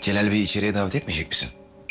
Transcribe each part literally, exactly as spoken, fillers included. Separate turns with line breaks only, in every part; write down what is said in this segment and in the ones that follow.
Celal Bey'i içeriye davet etmeyecek misin?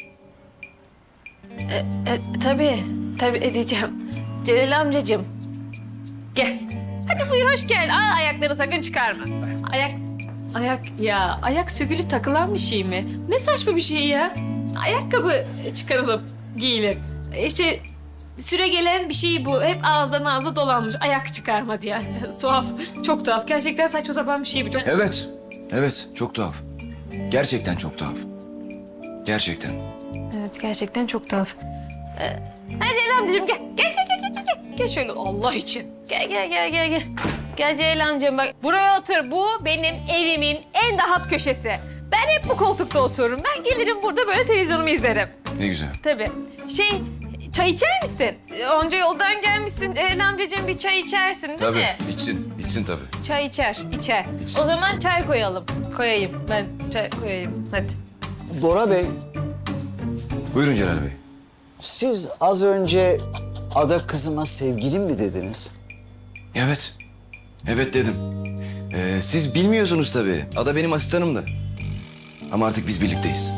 E, e, tabii, tabii edeceğim. Celal amcacığım, gel. Hadi buyur, hoş gel. Aa, ayakları sakın çıkarma. Ayak, ayak ya, ayak sökülüp takılan bir şey mi? Ne saçma bir şey ya. Ayakkabı çıkarılıp giyilir. İşte süre gelen bir şey bu. Hep ağızdan ağza dolanmış. Ayak çıkarma diye. Tuhaf, çok tuhaf. Gerçekten saçma sapan bir şey bu. Çok...
Evet, evet. Çok tuhaf. Gerçekten çok tuhaf. Gerçekten.
Evet, gerçekten çok tuhaf. Ee, hadi Celal amcacığım gel. Gel, gel, gel, gel, gel. Gel şöyle Allah için. Gel, gel, gel, gel, gel. Gel Celal amcam bak. Buraya otur. Bu benim evimin en rahat köşesi. Ben hep bu koltukta otururum. Ben gelirim burada böyle televizyonumu izlerim.
Ne güzel.
Tabii. Şey, çay içer misin? Onca yoldan gelmişsin. Celal amcacığım bir çay içersin değil
Tabii.
mi?
içsin, içsin tabii.
Çay içer, içer.
İçsin.
O zaman çay koyalım. Koyayım. Ben çay koyayım. Hadi.
Bora Bey,
Buyurun Celal Bey.
siz az önce Ada kızıma sevgilim mi dediniz?
Evet. Evet dedim. Ee, siz bilmiyorsunuz tabii. Ada benim asistanımdı. Ama artık biz birlikteyiz.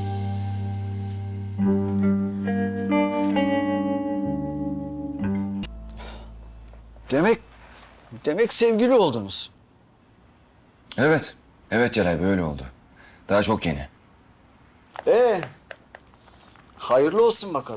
Demek, demek sevgili oldunuz.
Evet. Evet Celal Bey öyle oldu. Daha çok yeni.
Ee, hayırlı olsun bakalım.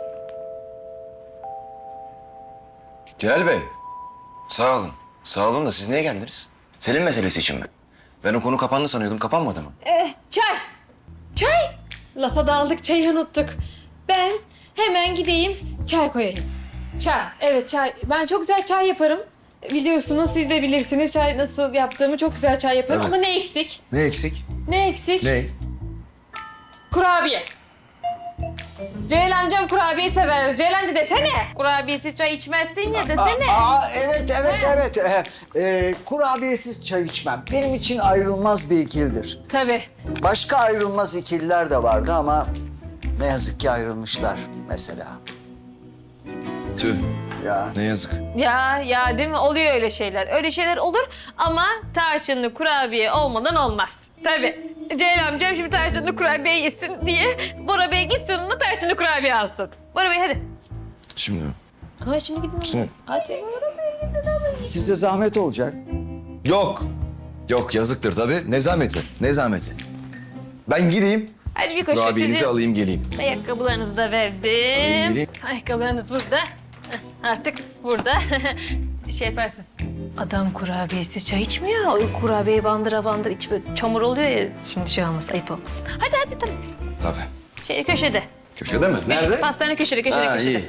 Celal Bey. Sağ olun. Sağ olun da siz niye geldiniz? Selim meselesi için mi? Ben o konu kapandı sanıyordum. Kapanmadı mı?
Ee, çay. Çay. Lafa daldık, çayı unuttuk. Ben hemen gideyim, çay koyayım. Çay, evet çay. Ben çok güzel çay yaparım. Biliyorsunuz, siz de bilirsiniz çay nasıl yaptığımı. Çok güzel çay yaparım
Evet.
ama ne eksik?
Ne eksik?
Ne eksik?
Ne?
Kurabiye. Celal amcam kurabiye sever. Celal amca desene. Kurabiyesiz çay içmezsin ya desene.
Aa, aa, evet, evet, evet. Ee, e, kurabiyesiz çay içmem. Benim için ayrılmaz bir ikilidir.
Tabii.
Başka ayrılmaz ikililer de vardı ama ne yazık ki ayrılmışlar mesela.
Tüh.
Ya.
Ne yazık.
Ya ya değil mi? Oluyor öyle şeyler. Öyle şeyler olur ama tarçınlı kurabiye olmadan olmaz. Tabii. Celal amcam şimdi tarçınlı kurabiye yesin diye Bora Bey gitsin ona tarçınlı kurabiye alsın. Bora Bey hadi.
Şimdi.
Ha şimdi gidin.
Şimdi.
Hadi Bora Bey gidin hadi.
Size zahmet olacak.
Yok. Yok yazıktır tabii. Ne zahmeti? Ne zahmeti? Ben gideyim.
Hadi bir
Şu
koşu
kurabiyenizi
sizin.
alayım geleyim.
Ayakkabılarınızı da verdim.
geleyim.
Ayakkabılarınız burada. Heh, artık burada. şey yaparsınız. Adam kurabiyesiz çay içmiyor. O kurabiyeyi bandıra bandır iç böyle çamur oluyor ya. Şimdi şey olmaz, ayıp olmasın. Hadi hadi tamam.
Tabii.
Şey köşede.
Köşede mi?
Köşede. Pastane köşede, köşede,
Ha,
köşede.
iyi.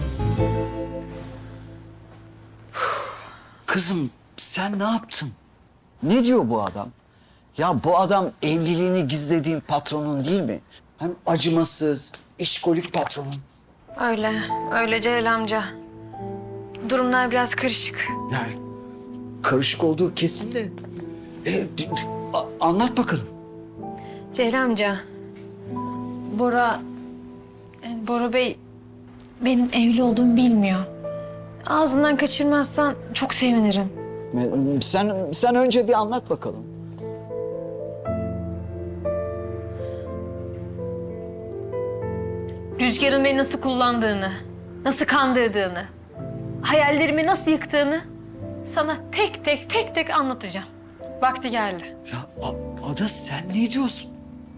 Kızım sen ne yaptın? Ne diyor bu adam? Ya bu adam evliliğini gizlediğin patronun değil mi? Hem acımasız, işkolik patronun.
Öyle, öyle Celal amca. Durumlar biraz karışık.
Yani karışık olduğu kesin de. E, bir- a- anlat bakalım.
Celal amca, Bora, yani Bora Bey benim evli olduğumu bilmiyor. Ağzından kaçırmazsan çok sevinirim.
E, Sen sen önce bir anlat bakalım.
Rüzgar'ın beni nasıl kullandığını, nasıl kandırdığını, hayallerimi nasıl yıktığını sana tek tek tek tek anlatacağım. Vakti geldi.
Ya A- Ada sen ne diyorsun?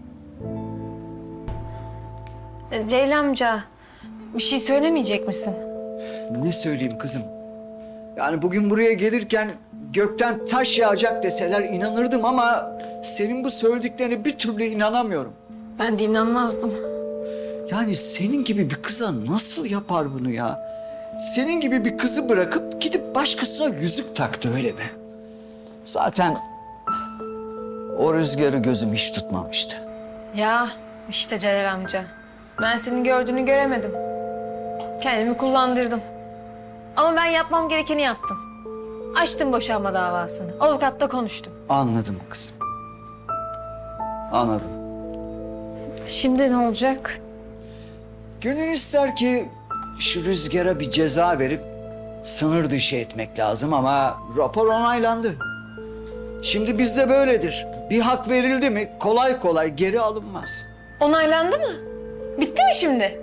E, Celal amca, bir şey söylemeyecek misin?
Ne söyleyeyim kızım? Yani bugün buraya gelirken gökten taş yağacak deseler inanırdım ama senin bu söylediklerine bir türlü inanamıyorum.
Ben de inanmazdım.
Yani senin gibi bir kıza nasıl yapar bunu ya? Senin gibi bir kızı bırakıp gidip başkasına yüzük taktı öyle mi? Zaten o rüzgarı gözüm hiç tutmamıştı.
Ya işte Celal amca. Ben senin gördüğünü göremedim. Kendimi kullandırdım. Ama ben yapmam gerekeni yaptım. Açtım boşanma davasını. Avukatla konuştum.
Anladım kızım. Anladım.
Şimdi ne olacak?
Gönül ister ki şu rüzgara bir ceza verip sınır dışı etmek lazım ama rapor onaylandı. Şimdi bizde böyledir. Bir hak verildi mi kolay kolay geri alınmaz.
Onaylandı mı? Bitti mi şimdi?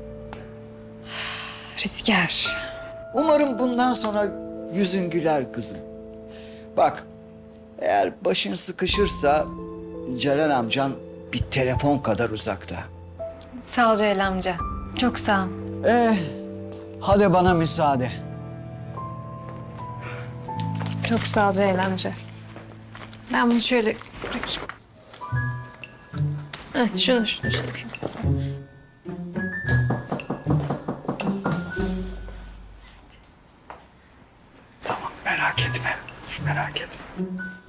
Rüzgar.
Umarım bundan sonra yüzün güler kızım. Bak, eğer başın sıkışırsa Celal amcan bir telefon kadar uzakta.
Sağ ol Celal amca. Çok sağ ol.
Eh, hadi bana müsaade.
Çok sağ ol Celal amca. Ben bunu şöyle bırakayım. Heh, şunu, şunu, şunu.
Tamam, merak etme. Merak etme.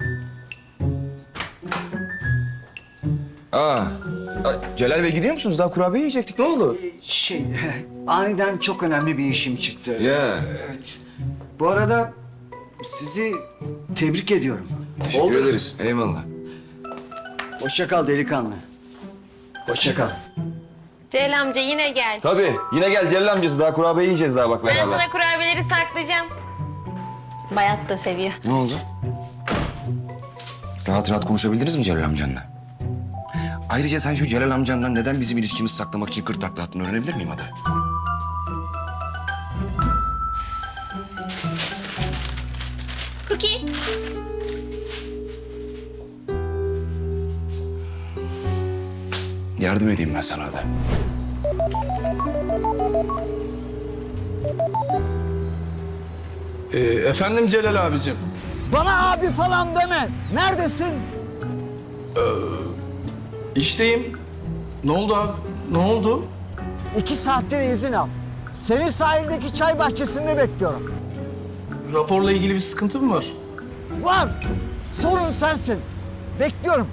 Aa, a- Celal Bey gidiyor musunuz? Daha kurabiye yiyecektik. Ne oldu?
Şey, aniden çok önemli bir işim çıktı.
Ya.
Evet. Bu arada sizi tebrik ediyorum.
Teşekkür
Oldu.
ederiz. Eyvallah.
Hoşça kal delikanlı. Hoşça kal.
Celal amca yine gel.
Tabii. Yine gel Celal amcası. Daha kurabiye yiyeceğiz daha bak
Ben
beraber.
sana kurabiyeleri saklayacağım. Bayat da seviyor.
Ne oldu? Rahat rahat konuşabildiniz mi Celal amcanla? Ayrıca sen şu Celal amcandan neden bizim ilişkimizi saklamak için kırk takla attığını öğrenebilir miyim Ada?
Cookie.
Yardım edeyim ben sana Ada.
Ee, efendim Celal abicim.
Bana abi falan deme. Neredesin?
İşteyim. Ne oldu abi? Ne oldu?
İki saattir izin al. Seni sahildeki çay bahçesinde bekliyorum.
Raporla ilgili bir sıkıntı mı var?
Var. Sorun sensin. Bekliyorum.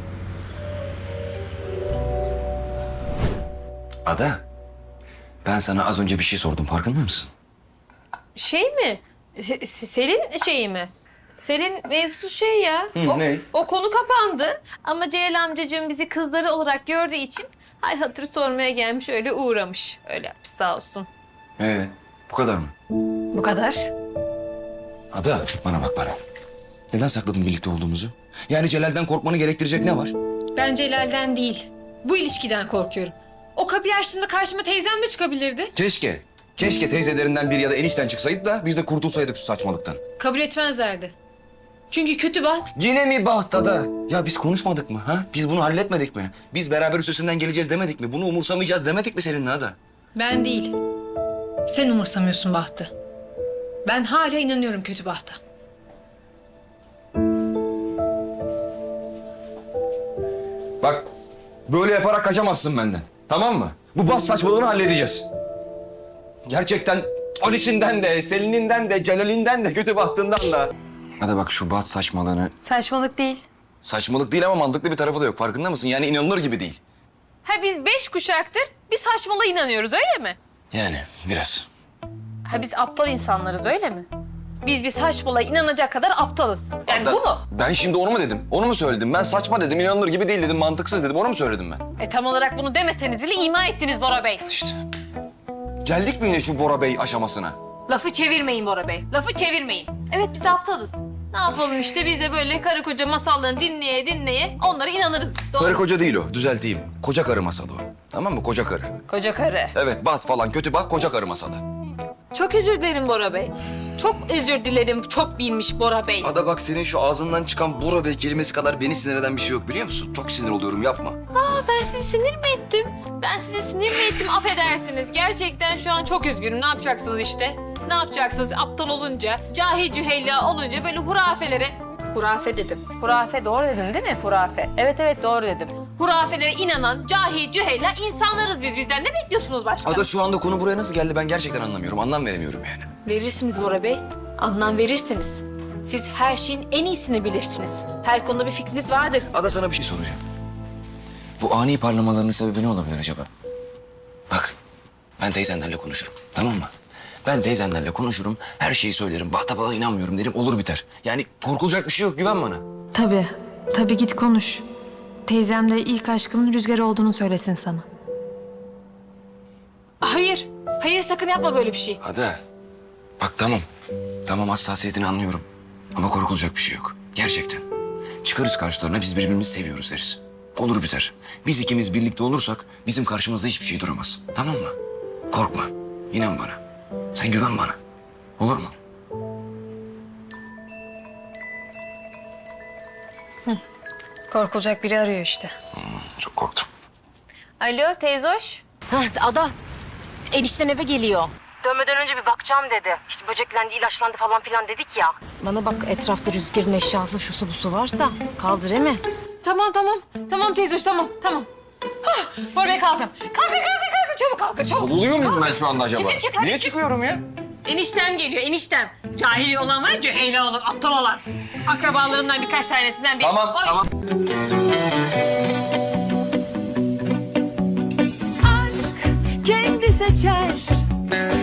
Ada, ben sana az önce bir şey sordum. Farkında mısın?
Şey mi? Se- Se- Selin şeyi mi? Selin mevzusu şey ya.
Hı,
o,
ne?
o konu kapandı. Ama Celal amcacığım bizi kızları olarak gördüğü için hal hatır sormaya gelmiş, öyle uğramış. Öyle yapmış sağ olsun.
Ee, bu kadar mı?
Bu kadar.
Ada, bana bak bana. Neden sakladın birlikte olduğumuzu? Yani Celal'den korkmanı gerektirecek ne var?
Ben Celal'den değil, bu ilişkiden korkuyorum. O kapıyı açtığımda karşıma teyzem mi çıkabilirdi?
Keşke. Keşke teyzelerinden biri ya da enişten çıksaydı da biz de kurtulsaydık şu saçmalıktan.
Kabul etmezlerdi. Çünkü kötü baht.
Yine mi baht Ada? Ya biz konuşmadık mı? Ha? Biz bunu halletmedik mi? Biz beraber üstesinden geleceğiz demedik mi? Bunu umursamayacağız demedik mi seninle Ada?
Ben değil. Sen umursamıyorsun bahtı. Ben hala inanıyorum kötü bahta.
Bak, böyle yaparak kaçamazsın benden. Tamam mı? Bu bas saçmalığını halledeceğiz. Gerçekten Ali'sinden de, Selin'inden de, Celal'inden de, kötü bahtından da. Hadi bak şu bat saçmalığını...
Saçmalık değil.
Saçmalık değil ama mantıklı bir tarafı da yok. Farkında mısın? Yani inanılır gibi değil.
Ha biz beş kuşaktır bir saçmalığa inanıyoruz öyle mi?
Yani biraz.
Ha biz aptal insanlarız öyle mi? Biz bir saçmalığa inanacak kadar aptalız. Yani
Hatta
bu mu?
Ben şimdi onu mu dedim? Onu mu söyledim? Ben saçma dedim, inanılır gibi değil dedim, mantıksız dedim. Onu mu söyledim ben?
E tam olarak bunu demeseniz bile ima ettiniz Bora Bey.
İşte. Geldik mi yine şu Bora Bey aşamasına?
Lafı çevirmeyin Bora Bey. Lafı çevirmeyin. Evet biz aptalız. Ne yapalım işte biz de böyle karı koca masallarını dinleye dinleye onlara inanırız biz. Doğru.
Karı koca değil o, düzelteyim. Koca karı masalı o. Tamam mı? Koca karı.
Koca karı.
Evet, bat falan kötü bak, koca karı masalı.
Çok özür dilerim Bora Bey. Çok özür dilerim. Çok bilmiş Bora Bey.
Ada bak senin şu ağzından çıkan Bora Bey kelimesi kadar beni sinir eden bir şey yok biliyor musun? Çok sinir oluyorum, yapma.
Aa, ben sizi sinir mi ettim? Ben sizi sinir mi ettim? Affedersiniz. Gerçekten şu an çok üzgünüm. Ne yapacaksınız işte? Ne yapacaksınız aptal olunca, cahil cüheyla olunca böyle hurafelere... Hurafe dedim. Hurafe doğru dedim değil mi? Hurafe. Evet evet doğru dedim. Hurafelere inanan cahil cüheyla insanlarız biz. Bizden ne bekliyorsunuz başka?
Ada şu anda konu buraya nasıl geldi ben gerçekten anlamıyorum. Anlam veremiyorum yani.
Verirsiniz Bora Bey. Anlam verirsiniz. Siz her şeyin en iyisini bilirsiniz. Her konuda bir fikriniz vardır sizin.
Ada sana bir şey soracağım. Bu ani parlamalarının sebebi ne olabilir acaba? Bak, ben teyzenlerle konuşurum, tamam mı? Ben teyzenlerle konuşurum, her şeyi söylerim. Bahta falan inanmıyorum derim, olur biter. Yani korkulacak bir şey yok, güven bana.
Tabii, tabii git konuş. Teyzem de ilk aşkımın Rüzgar olduğunu söylesin sana.
Hayır. Hayır sakın yapma böyle bir şey.
Ada, bak tamam. Tamam hassasiyetini anlıyorum. Ama korkulacak bir şey yok. Gerçekten. Çıkarız karşılarına biz birbirimizi seviyoruz deriz. Olur biter. Biz ikimiz birlikte olursak bizim karşımızda hiçbir şey duramaz. Tamam mı? Korkma. İnan bana. Sen güven bana. Olur mu?
Korkulacak biri arıyor işte.
Çok korktum.
Alo teyzoş.
Hah, Ada, enişten eve geliyor. Dönmeden önce bir bakacağım dedi. İşte böceklendi, ilaçlandı falan filan dedik ya. Bana bak, etrafta Rüzgar'ın eşyası, şusu busu varsa kaldır he mi?
Tamam tamam. Tamam teyzoş tamam tamam. Hah, Bora Bey kalkın. Kalkın kalkın kalkın çabuk kalkın çabuk.
Oluyor muyum ben şu anda acaba?
Çıkın, çıkın.
Niye çıkıyorum ya?
Eniştem geliyor eniştem. Cahili olan var, cüheyli olan, aptal olan. Akrabalarımdan birkaç tanesinden biri.
Tamam,
Oy.
tamam.
aşk kendi seçer